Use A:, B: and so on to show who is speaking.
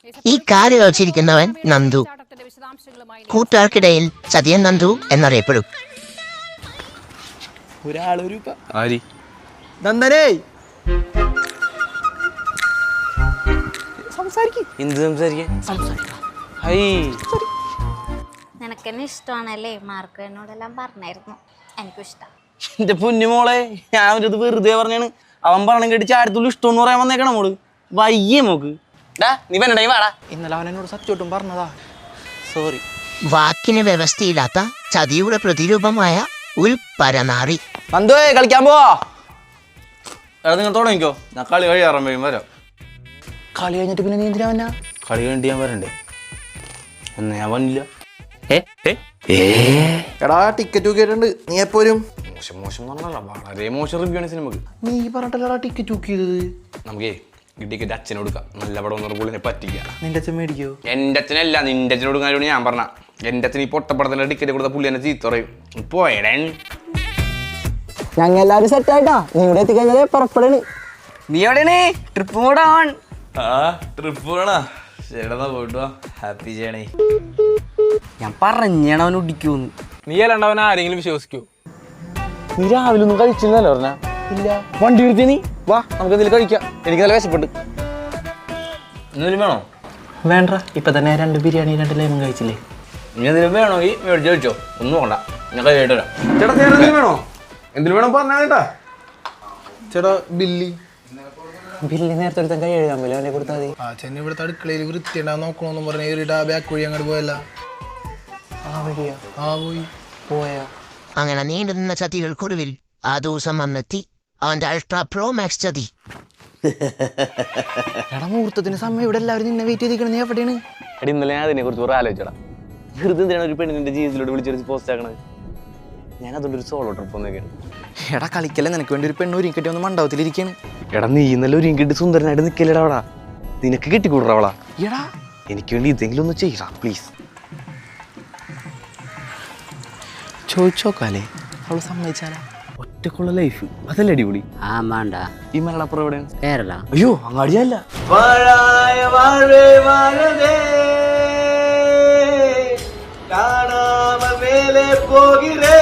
A: ഈ കാല് കളിച്ചിരിക്കുന്നവൻ നന്ദു. കൂട്ടുകാർക്കിടയിൽ ചതിയൻ നന്ദു എന്നറിയപ്പെടും.
B: നന്ദനേ
C: നിനക്കെന്നെ ഇഷ്ടമാണല്ലേ? മാർക്ക് എന്നോടെല്ലാം പറഞ്ഞായിരുന്നു. എനിക്കും ഇഷ്ടം.
B: എന്റെ പൊന്നുമോളെ, ഞാൻ ഒരു വെറുതെ പറഞ്ഞാണ്. അവൻ പറഞ്ഞ കേട്ട് ചാരത്തുള്ളൂ ഇഷ്ടം പറയാൻ വന്നേക്കണം മോള്. വയ്യേ മോക്ക്. നീ വേണ്ട വാടാ. ഇന്നലെ അവൻ എന്നോട് സത്യോട്ടും പറഞ്ഞതാ. സോറി.
A: വാക്കിന് വ്യവസ്ഥയില്ലാത്ത ചതിയുടെ പ്രതിരൂപമായ ഒരു പരനാറി.
B: നന്ദുവേ കളിക്കാൻ പോവാ. നിങ്ങൾ തുടങ്ങിക്കോ, ഞാൻ കളി കഴിയാറുമ്പോഴും വരാം. കളി കഴിഞ്ഞിട്ട് പിന്നെ നീ എന്തിനാ വന്നാ? കളി കഴിഞ്ഞിട്ട് ഞാൻ വരണ്ടേ? എന്നാ ഞാൻ വന്നില്ല.
D: എടാ ടിക്കറ്റ് കേട്ടുണ്ട്, നീ എപ്പോഴും
B: മോശം പറഞ്ഞല്ല, വളരെ മോശം റിവ്യൂ ആണ് സിനിമക്ക്.
D: നീ പറഞ്ഞിട്ടല്ലടാ ടിക്കറ്റ് ബുക്ക് ചെയ്തത്.
B: നമുക്കേ ഈ ടിക്കറ്റ് അച്ഛനെ കൊടുക്കാം. നല്ല പടം ഒന്നും പുള്ളിനെ പറ്റിക്കാം.
D: നിന്റെ അച്ഛൻ മേടിക്കോ?
B: എൻ്റെ അച്ഛനല്ല, നിന്റെ അച്ഛനെ കൊടുക്കാനോട് ഞാൻ പറഞ്ഞ. എൻ്റെ അച്ഛൻ ഈ പൊട്ടപ്പടത്തിന്റെ ടിക്കറ്റ് കൊടുത്ത പുള്ളി എന്നെ ചീത്ത പറയും. പോയടേ.
E: ഞങ്ങൾ എല്ലാവരും സെറ്റ് ആയിട്ടാ. നീ ഇവിടെ എത്തിക്കഴിഞ്ഞാലേ പുറപ്പെടണ്.
B: നീ എവിടെയാണ്? ട്രിപ്പ് കൂടെ ആവാൻ. ട്രിപ്പ് പോകണ പോയിട്ട് ഹാപ്പി ചെയ്യണേ.
E: ഞാൻ പറഞ്ഞാണ് അവൻ ഒടിക്കൂന്ന്.
B: നീ അല്ലാണ്ട് അവൻ ആരെങ്കിലും വിശ്വസിക്കൂ? നീ രാവിലെ ഒന്നും കഴിച്ചില്ലല്ലോ പറഞ്ഞ. ഇല്ല. വണ്ടി എടുത്തി നീ വാ, നമുക്ക് എന്തെങ്കിലും കഴിക്കാം. എനിക്ക് നല്ല വിശപ്പെട്ട്. എന്തെങ്കിലും വേണോ?
E: വേണ്ട, ഇപ്പൊ തന്നെ 2 ബിരിയാണി 2 ലെമൺ കഴിച്ചില്ലേ.
B: നീ എന്തെങ്കിലും വേണമെങ്കിൽ മേടിച്ച് കഴിച്ചോ, ഒന്നും വേണ്ട. ഞാൻ കഴിയായിട്ട് വരാം. ചേട്ടാ എന്തെങ്കിലും വേണോ? എന്തെങ്കിലും വേണം പറഞ്ഞാ കേട്ടാ.
D: ചേട്ടാ ബില്ലി
E: ബില്ല് നേരത്തെ ഒരുത്തൻ കൈ എഴുതാൻ പോലെ അവനെ കൊടുത്താൽ മതി.
D: ചെന്നൈ ഇവിടുത്തെ അടുക്കളയിൽ വൃത്തിയുണ്ടാകാൻ നോക്കണമെന്ന് പറഞ്ഞ ഏറിയിട്ട് ബാക്ക് വഴി അങ്ങോട്ട് പോയല്ല.
E: ആ വഴിയാ?
D: ആ പോയി
E: പോയാ?
A: അങ്ങനെ നീണ്ടു നിന്ന ചതികൾക്കൊടുവിൽ ആ ദിവസം വന്നെത്തി അവന്റെ അൾട്രാ പ്രോ മാക്സ് ചതി.
E: എടാ മുഹൂർത്തത്തിന് സമയം ഇവിടെ എല്ലാവരും നിന്നെ വെയിറ്റ് ചെയ്തിരിക്കണം. നീ എവിടെയാണ്?
B: എടി ഇന്നലെ ഞാൻ അതിനെ കുറിച്ച് കുറെ ആലോചിച്ചടാ. വെറുതെ എന്തിനാണ് ഒരു പെണ്ണിന്റെ ജീവിതത്തിലോട്ട് വിളിച്ചൊരു പോസ്റ്റ് ആക്കണത്? ഞാൻ അതുകൊണ്ട് ഒരു സോളോ ട്രിപ്പ് ഒന്നൊക്കെയാണ്.
E: എടാ കളിക്കല്ലേ, നിനക്ക് വേണ്ടി ഒരു പെണ്ണ് ഒരുക്കിട്ടി ഒന്ന് മണ്ഡപത്തിലിരിക്കാണ്.
B: എടാ നീ ഇന്നലെ ഒരു ഇങ്കിട്ട് സുന്ദരനായിട്ട് നിൽക്കല്ലേടാ അവളാ. നിനക്ക് കെട്ടിക്കൂടാ അവളാ.
E: എടാ
B: എനിക്ക് വേണ്ടി ഇതെങ്കിലും ഒന്ന് ചെയ്യടാ പ്ലീസ്.
E: ചോദിച്ചോക്കാലേ, അവള് സമ്മതിച്ചാലാ?
B: ഒറ്റക്കുള്ള ലൈഫ് അതല്ലേ അടിപൊളി.
E: ആ വേണ്ട.
B: ഈ മലപ്പുറം എവിടെയാണ്?
E: കേരള.
B: അയ്യോ അങ്ങാടിയല്ല. കാണാമ മേലെ പോകിരേ